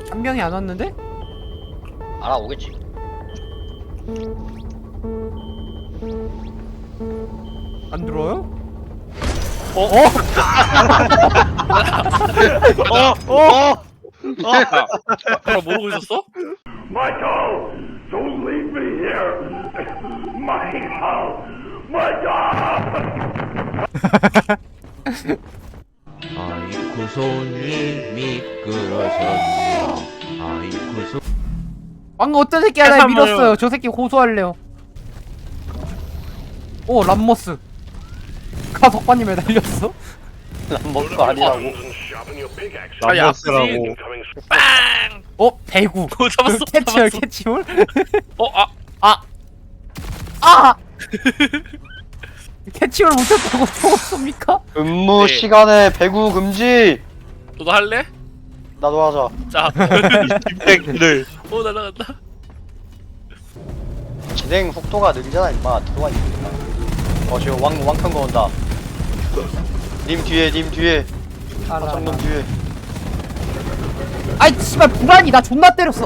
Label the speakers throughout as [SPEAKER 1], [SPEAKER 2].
[SPEAKER 1] 한 명이 안 왔는데?
[SPEAKER 2] 알아오겠지.
[SPEAKER 1] 안 들어요?
[SPEAKER 3] 그럼 모르고 있었어?
[SPEAKER 4] Michael, don't leave me here. Michael, Michael.
[SPEAKER 5] 아이쿠 손이 미끄러졌네. 아이쿠 손.
[SPEAKER 1] 방금 어떤 새끼 하나
[SPEAKER 3] 해산물.
[SPEAKER 1] 밀었어요. 저 새끼 고소할래요. 오 람머스. 가석관이 매달렸어?
[SPEAKER 2] 람버스가 아니라고.
[SPEAKER 3] 아니
[SPEAKER 5] 람버스라고.
[SPEAKER 3] 아프지.
[SPEAKER 1] 어 배구.
[SPEAKER 3] 오 잡았어.
[SPEAKER 1] 캐치홀
[SPEAKER 3] 잡았어.
[SPEAKER 1] 캐치홀?
[SPEAKER 3] 아
[SPEAKER 1] 아! 캐치홀 못했다고 죽었습니까?
[SPEAKER 2] 근무
[SPEAKER 3] 네.
[SPEAKER 2] 시간에 배구 금지.
[SPEAKER 3] 너도 할래?
[SPEAKER 2] 나도 하자.
[SPEAKER 3] 자.
[SPEAKER 5] 씹새끼들.
[SPEAKER 3] 오 날라간다.
[SPEAKER 2] 진행 속도가 느리잖아 임마. 들어와 있으니까. 지금 왕큰 거 온다. 님 뒤에. 화장놈 뒤에.
[SPEAKER 1] 아이 씨발 불안이 나 존나 때렸어.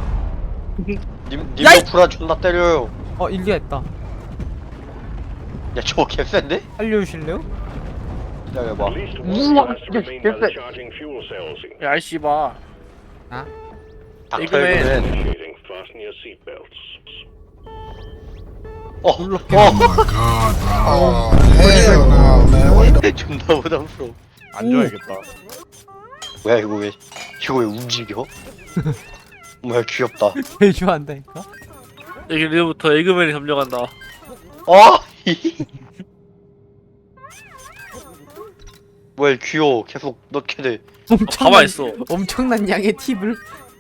[SPEAKER 2] 님도
[SPEAKER 1] 야이!
[SPEAKER 2] 불안 존나 때려요.
[SPEAKER 1] 일리가 있다.
[SPEAKER 2] 야 저거 개쎄인데?
[SPEAKER 1] 알려주실래요?
[SPEAKER 2] 기다려봐.
[SPEAKER 3] 야 이씨바.
[SPEAKER 2] 닥터
[SPEAKER 3] 이거는-
[SPEAKER 2] 에그맨.
[SPEAKER 6] Oh my god, bro. Oh, hell no, man. What the
[SPEAKER 2] 존나 부담스러워.
[SPEAKER 5] 안 줘야겠다.
[SPEAKER 2] 뭐야 이거 왜 움직여? 뭐야 귀엽다.
[SPEAKER 1] 대주한다니까.
[SPEAKER 3] 이제부터 에그맨이 점령한다.
[SPEAKER 2] 뭐야 귀여워. 계속 넣게 돼.
[SPEAKER 3] 가만 있어.
[SPEAKER 1] 엄청난 양의 팁을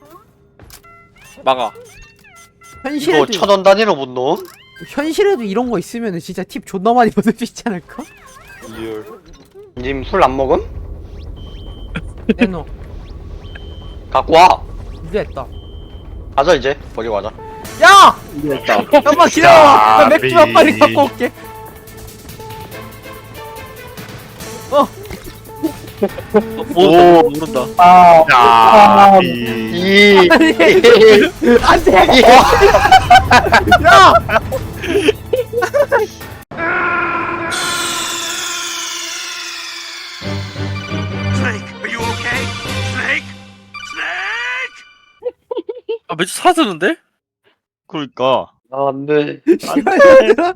[SPEAKER 3] 막아.
[SPEAKER 2] 이거
[SPEAKER 1] 현실에도
[SPEAKER 2] 1000원 단위로 못 넣어?
[SPEAKER 1] 현실에도 이런 거 있으면은 진짜 팁 존나 많이 받을 수 있지 않을까?
[SPEAKER 2] 리얼. 님 술 안 먹음?
[SPEAKER 1] 내놓.
[SPEAKER 2] 갖고 와.
[SPEAKER 1] 일리했다.
[SPEAKER 2] 가자 이제. 버리고 가자.
[SPEAKER 1] 야! 잠깐만 기다려. 나 맥주만 빨리 갖고 올게.
[SPEAKER 3] 오 모른다.
[SPEAKER 5] 야.
[SPEAKER 2] 이.
[SPEAKER 1] 안돼. 야!
[SPEAKER 3] 아 매주 사드는데?
[SPEAKER 5] 그러니까.
[SPEAKER 2] 안돼.
[SPEAKER 1] 씨발.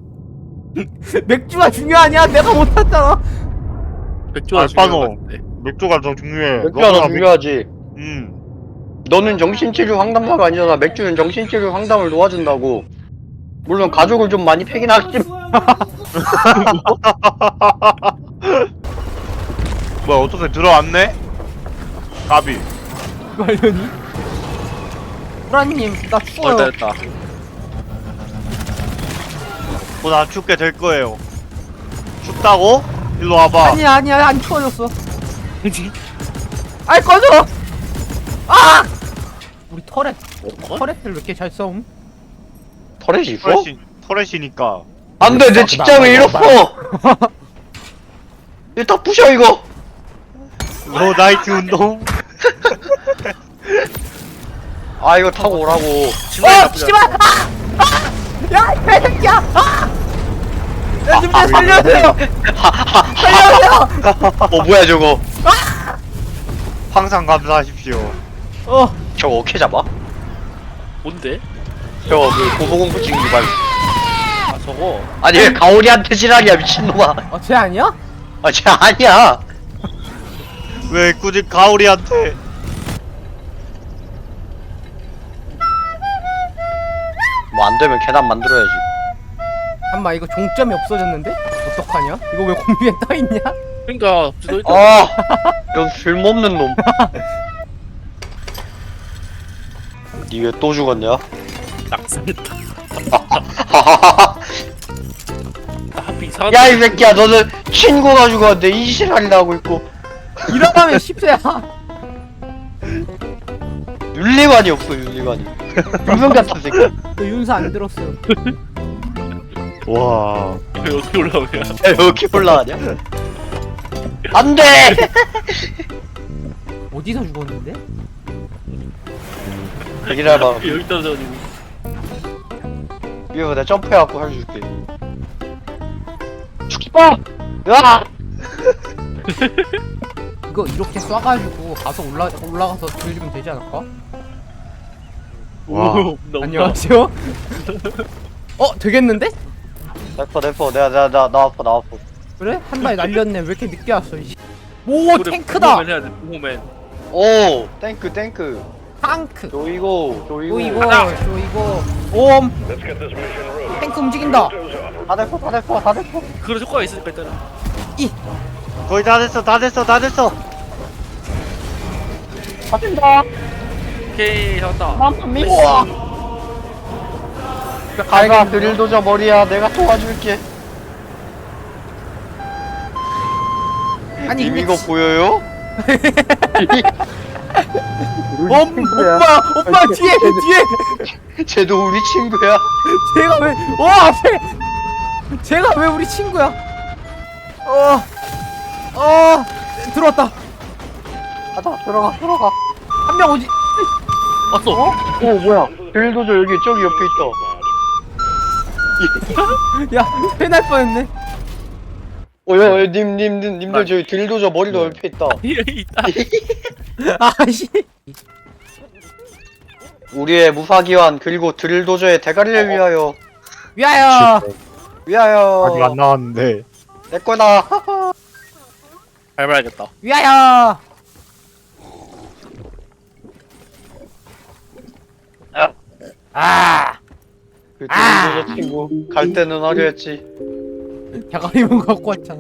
[SPEAKER 1] 맥주가 중요하냐? 내가 못 탔잖아.
[SPEAKER 3] 맥주가
[SPEAKER 5] 알바노.
[SPEAKER 3] 중요한 것 같은데.
[SPEAKER 5] 맥주가 더 중요해.
[SPEAKER 2] 맥주가 더 중요하지. 너는 정신치료 상담사가 아니잖아. 맥주는 정신치료 상담을 도와준다고. 물론 가족을 좀 많이 패긴 하겠지만.
[SPEAKER 5] 뭐야 어떻게 들어왔네? 까비.
[SPEAKER 1] 말려니? 브라님 나 추워요.
[SPEAKER 3] 됐다.
[SPEAKER 5] 곧안 춥게 될 거예요. 춥다고? 일로 와봐.
[SPEAKER 1] 아니야 안 추워졌어. 아이 꺼져. 아! 우리 터렛. 터렛을 왜 이렇게 잘 싸움?
[SPEAKER 2] 터렛이 있어?
[SPEAKER 5] 터렛이니까.
[SPEAKER 2] 안돼 내 직장을 잃었어. 이거 다 부셔 이거.
[SPEAKER 5] 나이트 운동.
[SPEAKER 2] 아 이거 타고 오라고.
[SPEAKER 1] 씨발! 야, 이 개새끼야! 야, 좀 살려주세요! 살려주세요!
[SPEAKER 2] 뭐야 저거.
[SPEAKER 5] 항상 감사하십시오.
[SPEAKER 2] 저거 어떻게 잡아?
[SPEAKER 3] 뭔데?
[SPEAKER 2] 저거 그 고소공포 지금 유발.
[SPEAKER 3] 아 저거.
[SPEAKER 2] 아니 왜 가오리한테 지랄이야 미친놈아.
[SPEAKER 1] 쟤 아니야?
[SPEAKER 2] 쟤 아니야.
[SPEAKER 5] 왜 굳이 가오리한테?
[SPEAKER 2] 뭐 안되면 계단 만들어야지.
[SPEAKER 1] 잠깐만, 이거 종점이 없어졌는데? 어떡하냐? 이거 왜 공유에 떠있냐?
[SPEAKER 3] 그러니까 너 일단
[SPEAKER 2] 이런 쓸모없는 놈. 니 왜 또 죽었냐?
[SPEAKER 3] 낙승했다. 하필 이상한.
[SPEAKER 2] 야 이 새끼야 너는 친구가 죽었는데 이 지랄이나 하고 있고.
[SPEAKER 1] 일어나면 10세야.
[SPEAKER 2] 윤리관이 없어 윤리관이. 불명 같은 새끼.
[SPEAKER 1] 너 윤서 안 들었어.
[SPEAKER 5] 와.
[SPEAKER 3] 어떻게 올라오냐?
[SPEAKER 2] 야 여기 올라가냐? 안돼.
[SPEAKER 1] 어디서 죽었는데?
[SPEAKER 2] 기다려봐.
[SPEAKER 3] 여기 떨어져가지고.
[SPEAKER 2] 위에 내가 점프해갖고 살려줄게. 죽지 마! 으아!
[SPEAKER 1] 이거 이렇게 쏴가지고 가서 올라가서 들리면 되지 않을까?
[SPEAKER 5] 와.
[SPEAKER 3] 오, 너무
[SPEAKER 1] 안녕하세요. 되겠는데?
[SPEAKER 2] 내퍼. 나 아파.
[SPEAKER 1] 그래? 한 발에 날렸네. 왜 이렇게 늦게 왔어? 오 탱크다.
[SPEAKER 3] 보호맨 해야 돼. 보호맨.
[SPEAKER 2] 오! 탱크.
[SPEAKER 1] 탱크.
[SPEAKER 2] 조이고.
[SPEAKER 1] 조이고
[SPEAKER 3] 가자.
[SPEAKER 1] 조이고. 옴.
[SPEAKER 4] Let's get this mission rolling.
[SPEAKER 1] 탱크 움직인다.
[SPEAKER 2] 다 대포.
[SPEAKER 3] 그런 효과가 있으니까 일단은.
[SPEAKER 5] 거의 다 됐어.
[SPEAKER 2] 터진다.
[SPEAKER 3] 오케이 잡았다.
[SPEAKER 2] 우와! 가가 드릴도저 머리야. 내가 도와줄게.
[SPEAKER 1] 아니,
[SPEAKER 2] 님
[SPEAKER 1] 근데
[SPEAKER 2] 이거 보여요?
[SPEAKER 1] 오빠 뒤에.
[SPEAKER 2] 쟤도 우리 친구야.
[SPEAKER 1] 제가 왜 우리 친구야? 들어왔다.
[SPEAKER 2] 가자, 들어가.
[SPEAKER 1] 한 명 오지.
[SPEAKER 3] 왔어.
[SPEAKER 2] 오, 뭐야. 드릴도저 저기 옆에 있다.
[SPEAKER 1] 야, 패날 뻔했네.
[SPEAKER 2] 야, 님들 저기 드릴도저 머리도 옆에 있다.
[SPEAKER 3] 있다.
[SPEAKER 1] 아씨.
[SPEAKER 2] 우리의 무사기환 그리고 드릴도저의 대가리를 위하여.
[SPEAKER 1] 위하여.
[SPEAKER 5] 아직 안 나왔는데.
[SPEAKER 2] 내 거다.
[SPEAKER 3] 밟아야겠다.
[SPEAKER 1] 위하여.
[SPEAKER 2] 그 드릴도저 친구 갈 때는 하려 했지.
[SPEAKER 1] 대가리만 갖고 왔잖아.